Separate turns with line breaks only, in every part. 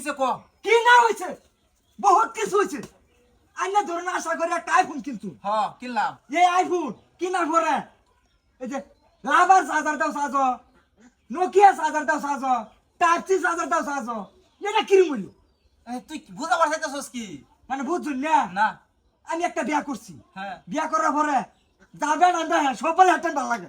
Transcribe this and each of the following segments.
হইছে ক
কি না হয়েছে বহুত কিছু হয়েছে আইনা ধরুন আশা করি একটা আইফোন কিনছু
কিনলাম
এই আইফোন কিনার পরে এই যে লাভার চার্জার দাও সাজো নোকিয়া চার্জার দাও সাজো টাইপ সি চার্জার দাও সাজো এটা কিরম হইলো
তুই বুঝাবার চাইতেছস কি
মানে বুঝছুন না
না
আমি একটা বিয়া করছি
হ্যাঁ
বিয়া করার পরে যাবে না দেয় সবাই হাতে ভালো লাগে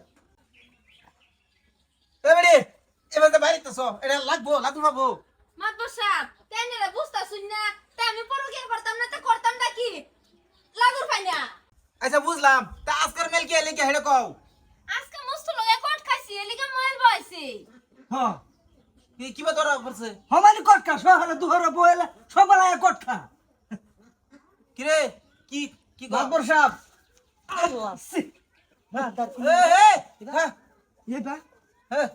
এবারে এবার তো বাইরেতেছ এটা লাগবো পাবো
মাতবর সাহেব তেনেরা বুঝতাছুন না তা আমি পরকে করতাম না তা করতাম না কি লাগুর পাইনা
আচ্ছা বুঝলাম তা আজকের মেল কি এলে কি হেডে কও
আজকে মস্ত লগে কট খাইছি এলিগা মোবাইল বইছি
হ্যাঁ
কিবা ধরা পড়ছে
হমানি কটকা সহারে দুহরে বইলে সবাই লাগে কটকা
কিরে কি কি
বাবর সাহেব আল্লাহ সি না দার
হ্যাঁ
এই বা
হ্যাঁ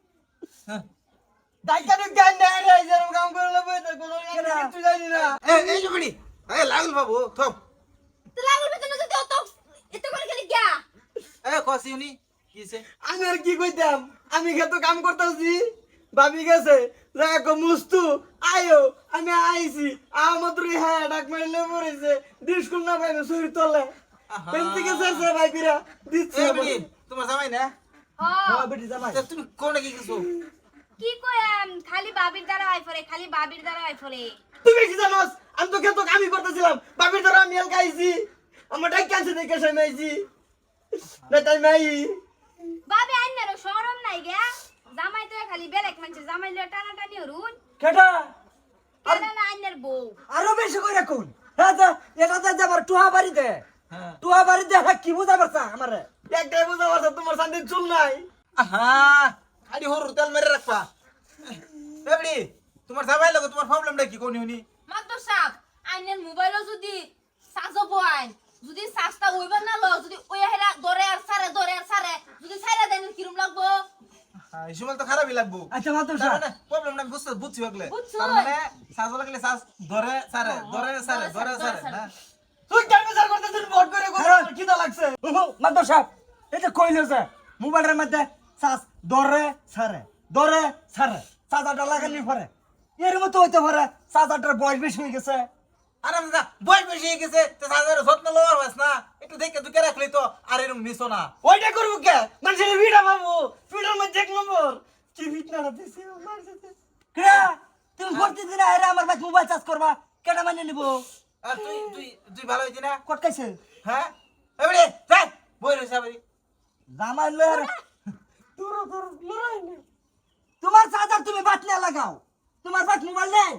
ডাইকানি গান না রে যেরকম কাম করলে বই তো কোনো কিছু জানি না
এই জুগড়ি লাগল বাবু থম
তো লাগুর ভিতরে যদি অত এত করে গেলি গিয়া
কসিউনি কিছে
আমি আর কি কইতাম আমি তো কাম করতেছি ভাবি গেছে রাখো মুস্তু আয়ো আমি আইছি আমাদের হ্যাঁ ডাক মারলে পড়েছে ডিসকুল না পাইবে সুরি তলে পেন্টি গেছে সে ভাই বিরা দিচ্ছে
তোমার জামাই না
হ্যাঁ বেটি জামাই
তুমি কোনে কি কিছু
কি কইম খালি বাবির দ্বারা আইফরে খালি বাবির দ্বারা আইফরে
তুমি কি জানোস আমি তো খেতো কামই করতেছিলাম ভাবির দ্বারা আমি এল খাইছি আমার ডাক কাছে দেখে সামাইছি না তাই মাই
বাবি আইনারও শরম নাই গিয়া জামাই তো খালি বেলেক মানছে জামাই লে টানা টানি হরুন
কেডা
কেডা না আইনার বউ
আরো বেশি কইরা কোন হ্যাঁ এটা তো যাবার টুহা বাড়ি দে টুহা বাড়ি দে কি বুঝা পারছা আমারে একটাই বুঝা পারছা তোমার শান্তি চুল নাই
আহা আরে হরুর তেল মেরে রাখবা এবড়ি তোমার জামাই লাগে তোমার প্রবলেমটা কি কোনি উনি
মাতবর সাহেব আইনের মোবাইলও যদি সাজব আইন যদি সাজটা হইবার না ল যদি ওই হেরা দরে আর সারে যদি ছাইরা দেন কিরম লাগবো
এই সময় তো খারাপই লাগবো
আচ্ছা মাত্র
তার মানে প্রবলেমটা বুঝছি হগলে
বুঝছো?
তার মানে সাজো লাগলে সাজ ধরে সারে হ্যাঁ
তুই কেন বিচার করতেছিস ভোট করে কি দা লাগছে মাত্র সাহেব এটা কইলো যে মোবাইলের মধ্যে সাস দরে সারে সাজাটা লাগানি পরে এর মতো হইতে পারে সাজাটার বয়স বেশি হয়ে গেছে
আরে দাদা বয়স বেশি হয়ে গেছে তো সাজার যত্ন লওয়ার হইছ না একটু দেখে দুকে রাখলি তো আর এরকম নিছো না
ওইটা করবো কে মানুষের ভিড়া পাবো ভিড়ার মধ্যে এক নম্বর কি ভিড়না দিছে কে তুমি করতে দিনা এরা আমার ভাই মোবাইল চার্জ করবা কেটা মানে নিব
আর তুই ভালো হইতি না
কটকাইছে
হ্যাঁ এবড়ি যাই বই রইছ আবরি
জামাই লয়ার তোর লড়াই নেই তোমার চার্জার তুমি বাত না লাগাও তোমার বাত মোবাইল নেই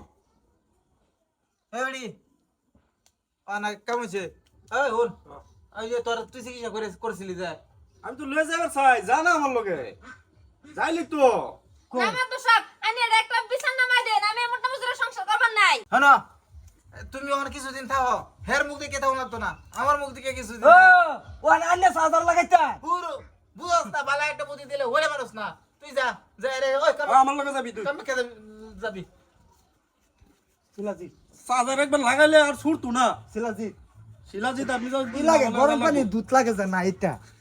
এবড়ি আনা কামছে এই হন এই যে তোর তুই চিকিৎসা করেছিলি যে
আমি তো লয়ে যাবার চাই জানা আমার লগে যাইলি তো
না মাতবর সাহেব আইনে একটা বিছান নামাই দেন আমি মোটা মুজুরে সংসার করবার নাই
হ্যাঁ তুমি ওখানে কিছুদিন থাকো হের মুখ দিকে থাকো লাগতো না আমার মুখ দিকে কিছুদিন
ও ও আন্নে চার্জার লাগাইতা
পুরো বুঝছ না বালা একটা বুদ্ধি দিলে ওরে মানুষ না তুই যা রে ওই
আমার লগে যাবি তুই
কাম কে যাবি
শিলাজি
চার্জার একবার লাগাইলে আর ছুটতো না
শিলাজি
শিলাজিৎ আপনি
কি লাগে গরম পানি দুধ লাগে যে না এটা